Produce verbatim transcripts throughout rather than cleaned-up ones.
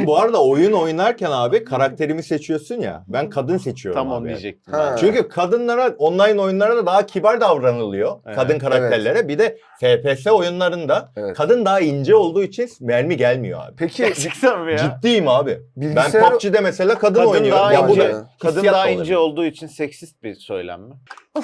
bu arada oyun oynarken abi karakterimi seçiyorsun ya. Ben kadın seçiyorum Tam abi. onu diyecektim. Ha. ben. Çünkü kadınlara online oyunlarda daha kibar davranılıyor. Evet. Kadın karakterlere. Bir de F P S oyunlarında Evet. kadın daha ince olduğu için mermi gelmiyor abi. Peki Gerçekten mi ya? Ciddiyim abi. Bilgisayar- Ben P U B G'de mesela kadın, Kadın oynuyorum. daha Ya bu ince, da kadın hissiyat daha da ince olabilir. olduğu için seksist bir söylem mi?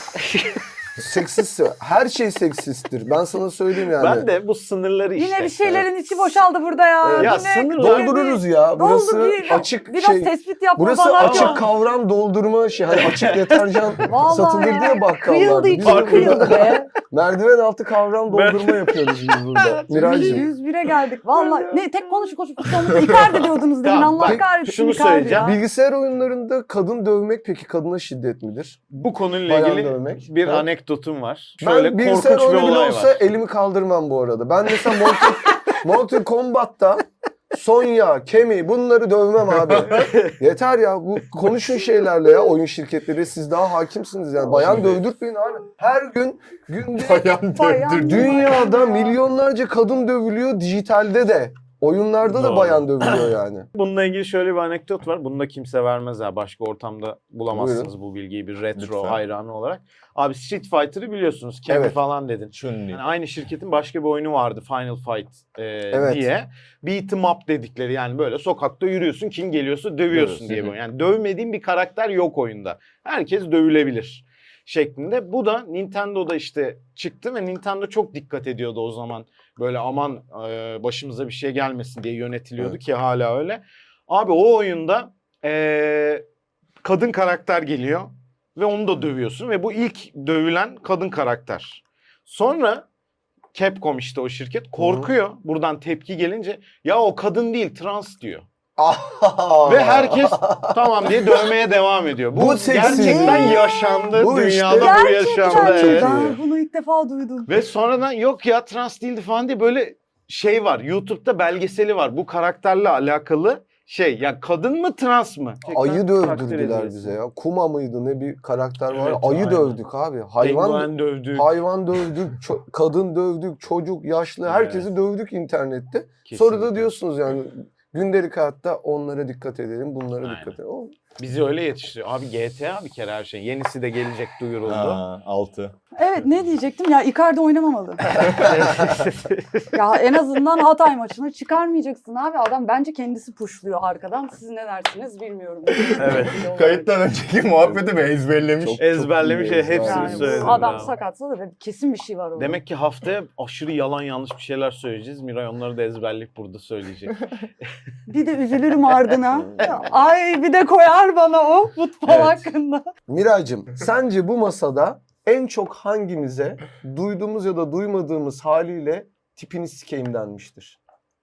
seksist, her şey seksisttir. Ben sana söyleyeyim yani. Ben de bu sınırları işte. Yine bir şeylerin içi boşaldı burada ya. Evet. Ya Yine sınırlar- Doldururuz ya. Burası Doldu bir, açık biraz şey. tespit yapma Burası falan açık yok. kavram doldurma şey. Hani açık deterjan Vallahi satılır ya. diye bakkallarda. Kıyıldı Biz içi burada kıyıldı be. merdiven altı kavram doldurma yapıyoruz biz burada. Miraycığım. yüz bire geldik. Vallahi ne tek konuşup konuşup sonunda Icardi diyordunuz demin. Tamam, Allah bak, kahretsin şunu Icardi söyleyeceğim. ya. Bilgisayar oyunlarında kadın dövmek peki kadına şiddet midir? Bu konuyla Bayan ilgili dövmek. bir Ha? anekdotum var. Şöyle Ben bilgisayar korkunç bir oyunu bile olay olsa var. elimi kaldırmam bu arada. Ben mesela Mortal, Mortal Kombat'ta Sonya, Kemi bunları dövmem abi. Yeter ya, bu konuşun şeylerle ya, oyun şirketleri, siz daha hakimsiniz yani. Bayan dövdürtmeyin abi. Her gün günde Bayan Bayan dövdür. dünyada milyonlarca kadın dövülüyor, dijitalde de. Oyunlarda da Doğru. bayan dövülüyor yani. Bununla ilgili şöyle bir anekdot var. Bunu da kimse vermez ha. Başka ortamda bulamazsınız Buyurun. bu bilgiyi bir retro Lütfen. hayranı olarak. Abi Street Fighter'ı biliyorsunuz. Kemi Evet. falan dedin. Chun-Li. Yani aynı şirketin başka bir oyunu vardı Final Fight e, Evet. diye. Beat 'em up dedikleri, yani böyle sokakta yürüyorsun, kim geliyorsa dövüyorsun Dövüyorsun. diye bir oyun. Yani dövmediğin bir karakter yok oyunda. Herkes dövülebilir şeklinde. Bu da Nintendo'da işte çıktı ve Nintendo çok dikkat ediyordu o zaman. Böyle aman e, başımıza bir şey gelmesin diye yönetiliyordu Evet. ki hala öyle. Abi o oyunda e, kadın karakter geliyor ve onu da dövüyorsun ve bu ilk dövülen kadın karakter. Sonra Capcom, işte o şirket korkuyor buradan tepki gelince, ya o kadın değil trans diyor. Ve herkes tamam diye dövmeye devam ediyor. Bu, Bu seksizm. gerçekten yaşandı. Bu işte- Dünyada bu yaşandı. Çok Evet. iyi. Ben bunu ilk defa duydum. Ve sonradan yok ya trans değildi falan diye böyle şey var. YouTube'da belgeseli var. Bu karakterle alakalı şey. Ya kadın mı trans mı? Ayı Tekrar takdir dövdürdüler ediyoruz. bize ya. Kuma mıydı ne bir karakter var. Evet, Ayı aynen. dövdük abi. Hayvan Penguen dövdü. hayvan dövdük, ço- kadın dövdük, çocuk, yaşlı, herkesi dövdük internette. Sonra Kesinlikle. da diyorsunuz yani gündelik hayatta onlara dikkat edelim, bunlara Aynen. dikkat edelim. O- Bizi öyle yetiştiriyor. Abi G T A bir kere her şey. Yenisi de gelecek duyuruldu. Ha, altı. Evet, ne diyecektim ya, Icardi oynamamalı. Ya en azından Hatay maçına çıkarmayacaksın abi. Adam bence kendisi pushluyor arkadan. Siz ne dersiniz bilmiyorum. Evet. Kayıttan önceki muhabbetimi ezberlemiş. Çok- Ezberlemiş, çok iyi hepsini ezberlemiş. Yani söyledim. bu adam abi. sakatsa da kesin bir şey var orada. Demek ki haftaya aşırı yalan yanlış bir şeyler söyleyeceğiz. Miray onları da ezberleyip burada söyleyecek. Bir de üzülürüm ardına. Ay bir de koyar bana o futbol Evet. hakkında. Miraycığım, sence bu masada en çok hangimize duyduğumuz ya da duymadığımız haliyle tipini sikeyim denmiştir?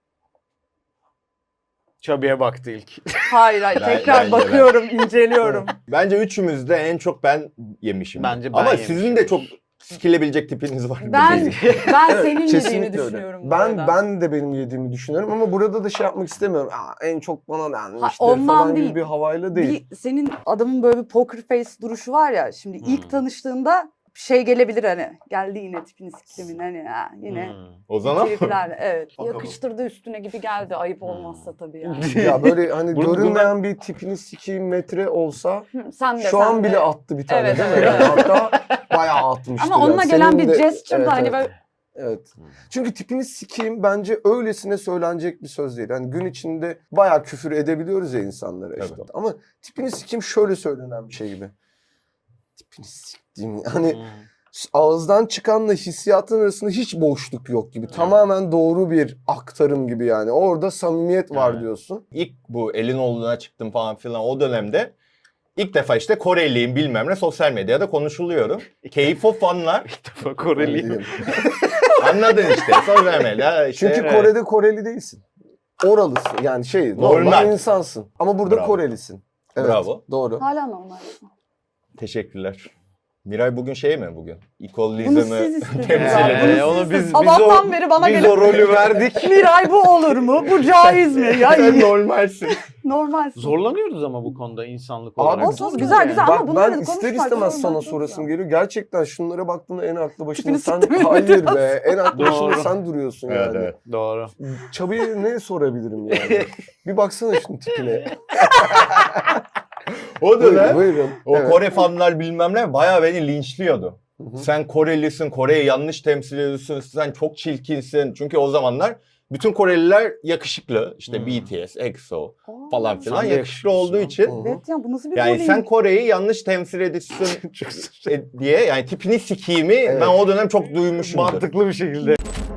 Çabi'ye baktı ilk. Hayır hayır, Ben- tekrar bence bakıyorum, inceliyorum. Bence üçümüz de en çok ben yemişim. Bence ben Ama yemişim. sizin de çok sikilebilecek tipiniz var. Ben ben Evet, senin kesinlikle yediğini öyle. düşünüyorum. bu Ben arada. ben de benim yediğimi düşünüyorum ama burada da şey yapmak istemiyorum. Aa, en çok bana denmiştir ondan falan değil. gibi bir havayla değil. Bir, senin adamın böyle bir poker face duruşu var ya. Şimdi ilk Hmm. tanıştığında şey gelebilir hani. Geldi yine tipini siktimin hani ha, yine. Hmm. O zaman Triplerle, evet. Bakalım. Yakıştırdı üstüne gibi geldi. Ayıp olmazsa tabii yani. Ya böyle hani Bunu- görünmeyen bir tipini sikeyim metre olsa Hı, sen de şu sen an de. bile attı bir tane Evet, değil mi? evet, Yani evet. hatta bayağı atmıştı. Ama onunla yani. gelen Senin bir de- gesture evet, da hani evet. böyle Evet. Çünkü tipini sikeyim bence öylesine söylenecek bir söz değil. Hani gün içinde bayağı küfür edebiliyoruz ya insanlara işte. Tabii. Ama tipini sikeyim şöyle söylenen bir şey gibi. Tipini siktiğim hani Hmm. ağızdan çıkanla hissiyatın arasında hiç boşluk yok gibi. Tamamen doğru bir aktarım gibi yani. Orada samimiyet var Evet. diyorsun. ilk bu elin oğluna çıktım falan filan o dönemde ilk defa işte Koreliyim bilmem ne sosyal medyada konuşuluyorum. Keyif o fanlar. İlk defa Koreliyim. Anladın işte sosyal medya işte. Çünkü Evet. Kore'de Koreli değilsin. Oralısın yani şey normal, Normal. insansın. Ama burada Bravo. Korelisin. Evet, Bravo. Doğru. hala normal. Teşekkürler. Miray bugün şey mi bugün? Bunu İkolizmi siz istediniz temsil abi. ediyor. Bunu Ee, siz onu istediniz. biz- biz o- Sabahtan beri bana Biz gelip o rolü verdik. Miray bu olur mu? Bu caiz mi? Ya Sen iyi. normalsin. Normal. Zorlanıyoruz ama bu konuda insanlık Abi olarak. Olsun, güzel, güzel. Bak Ama bunları ben da ister konuşmak istemez zorunda sana çok sorasım güzel. geliyor. Gerçekten şunlara baktığında en aklı başında Tipini sen... siktirmeyin Hayır biraz. be. En aklı başında Doğru. sen duruyorsun Evet yani. evet. Doğru. Çabi'ye ne sorabilirim yani? Bir baksana şunun tipine. O dönem Buyurun. o Evet. Kore fanlar bilmem ne bayağı beni linçliyordu. Hı hı. Sen Korelisin, Kore'yi yanlış temsil ediyorsun, sen çok çirkinsin. Çünkü o zamanlar bütün Koreliler yakışıklı. İşte Hmm. B T S, E X O Aa. falan filan Sen de yakışıklı olduğu yakışıklısın. için. Hı. Evet ya bu nasıl bir Yani bullying? sen Kore'yi yanlış temsil ediyorsun e, diye yani tipini sikiyimi Evet. ben o dönem çok duymuşumdur. Mantıklı bir şekilde.